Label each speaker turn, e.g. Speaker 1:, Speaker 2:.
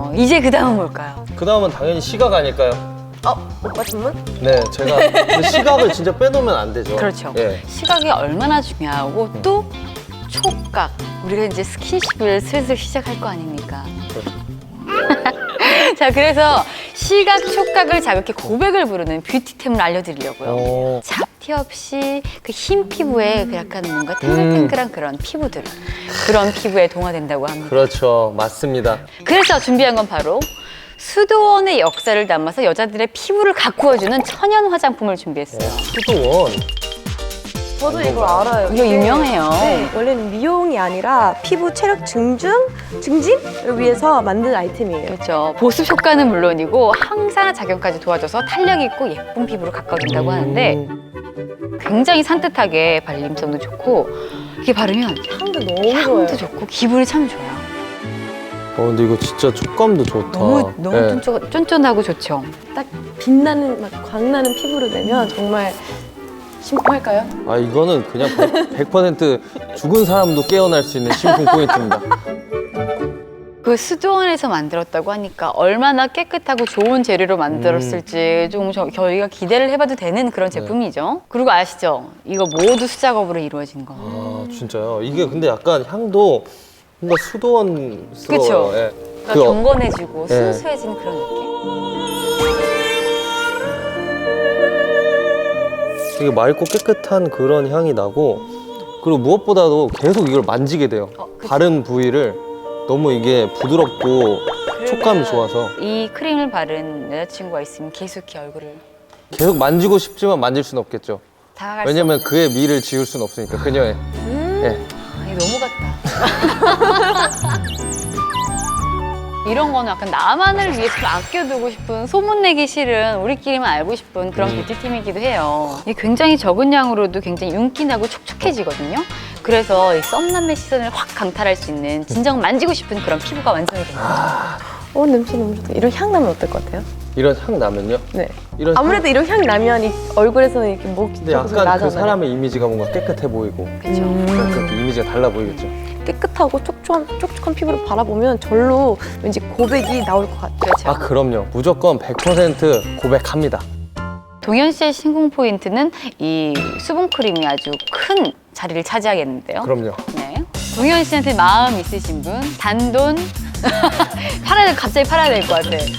Speaker 1: 이제 그 다음은 뭘까요?
Speaker 2: 그 다음은 당연히 시각 아닐까요?
Speaker 3: 오빠 전문?
Speaker 2: 네, 제가 근데 시각을 진짜 빼놓으면 안 되죠.
Speaker 1: 그렇죠.
Speaker 2: 예.
Speaker 1: 시각이 얼마나 중요하고 또 촉각. 우리가 이제 스킨십을 슬슬 시작할 거 아닙니까? 자, 그래서 시각, 촉각을 자극해 고백을 부르는 뷰티템을 알려드리려고요. 잡티 없이 그 흰 피부에 그 약간 뭔가 탱글탱글한 그런 피부들, 그런 피부에 동화된다고 합니다.
Speaker 2: 그렇죠, 맞습니다.
Speaker 1: 그래서 준비한 건 바로 수도원의 역사를 담아서 여자들의 피부를 가꾸어주는 천연 화장품을 준비했어요.
Speaker 2: 수도원.
Speaker 3: 저도 이걸 알아요.
Speaker 1: 이거
Speaker 3: 이게,
Speaker 1: 유명해요.
Speaker 3: 네, 원래는 미용이 아니라 피부 체력 증진을 위해서 만든 아이템이에요.
Speaker 1: 그렇죠. 보습 효과는 물론이고 항산화 작용까지 도와줘서 탄력 있고 예쁜 피부를 가꿔준다고 하는데 굉장히 산뜻하게 발림성도 좋고 이렇게 바르면
Speaker 3: 향도 너무 좋아요.
Speaker 1: 향도 좋고 기분이 참 좋아요.
Speaker 2: 근데 이거 진짜 촉감도 좋다.
Speaker 1: 너무
Speaker 2: 네.
Speaker 1: 쫀쫀하고 좋죠.
Speaker 3: 딱 빛나는 막 광나는 피부를 내면 정말 심쿵할까요?
Speaker 2: 아, 이거는 그냥 100% 죽은 사람도 깨어날 수 있는 심쿵 포인트입니다.
Speaker 1: 그 수도원에서 만들었다고 하니까 얼마나 깨끗하고 좋은 재료로 만들었을지 좀 저희가 기대를 해봐도 되는 그런 제품이죠. 그리고 아시죠? 이거 모두 수작업으로 이루어진 거.
Speaker 2: 아, 진짜요? 이게 근데 약간 향도 뭔가 수도원스러워요.
Speaker 1: 그쵸?
Speaker 2: 예.
Speaker 1: 그러니까
Speaker 2: 그
Speaker 1: 경건해지고
Speaker 2: 네.
Speaker 1: 순수해진 그런 느낌?
Speaker 2: 되게 맑고 깨끗한 그런 향이 나고, 그리고 무엇보다도 계속 이걸 만지게 돼요.
Speaker 1: 그쵸.
Speaker 2: 바른 부위를 너무 이게 부드럽고 촉감이 좋아서
Speaker 1: 이 크림을 바른 여자친구가 있으면 계속 얼굴을
Speaker 2: 계속 만지고 싶지만 만질 수는 없겠죠.
Speaker 1: 다가갈 수
Speaker 2: 왜냐면 그의 미를 지울 수는 없으니까, 그녀의. 예.
Speaker 1: 이거 너무 같다. 이런 거는 약간 나만을 위해 좀 아껴두고 싶은, 소문내기 싫은, 우리끼리만 알고 싶은 그런 뷰티템이기도 해요. 이게 굉장히 적은 양으로도 굉장히 윤기나고 촉촉해지거든요. 그래서 이 썸남의 시선을 확 강탈할 수 있는, 진정 만지고 싶은 그런 피부가 완성이 됩니다.
Speaker 3: 냄새 너무 좋다. 이런 향 나면 어떨 것 같아요?
Speaker 2: 이런 향 나면요?
Speaker 3: 네.
Speaker 2: 이런
Speaker 3: 아무래도 이런 향 나면 이 얼굴에서는 이렇게 목
Speaker 2: 근데
Speaker 3: 쪽에서
Speaker 2: 약간
Speaker 3: 나잖아요.
Speaker 2: 그 사람의 이미지가 뭔가 깨끗해 보이고
Speaker 1: 그렇죠.
Speaker 2: 그렇게 이미지가 달라 보이겠죠.
Speaker 3: 깨끗하고 촉촉한 피부를 바라보면 절로 왠지 고백이 나올 것 같아요.
Speaker 1: 그렇죠.
Speaker 2: 아, 그럼요. 무조건 100% 고백합니다.
Speaker 1: 동현 씨의 신공 포인트는 이 수분 크림이 아주 큰 자리를 차지하겠는데요.
Speaker 2: 그럼요.
Speaker 1: 네. 동현 씨한테 마음 있으신 분, 단돈 갑자기 팔아야 될 것 같아.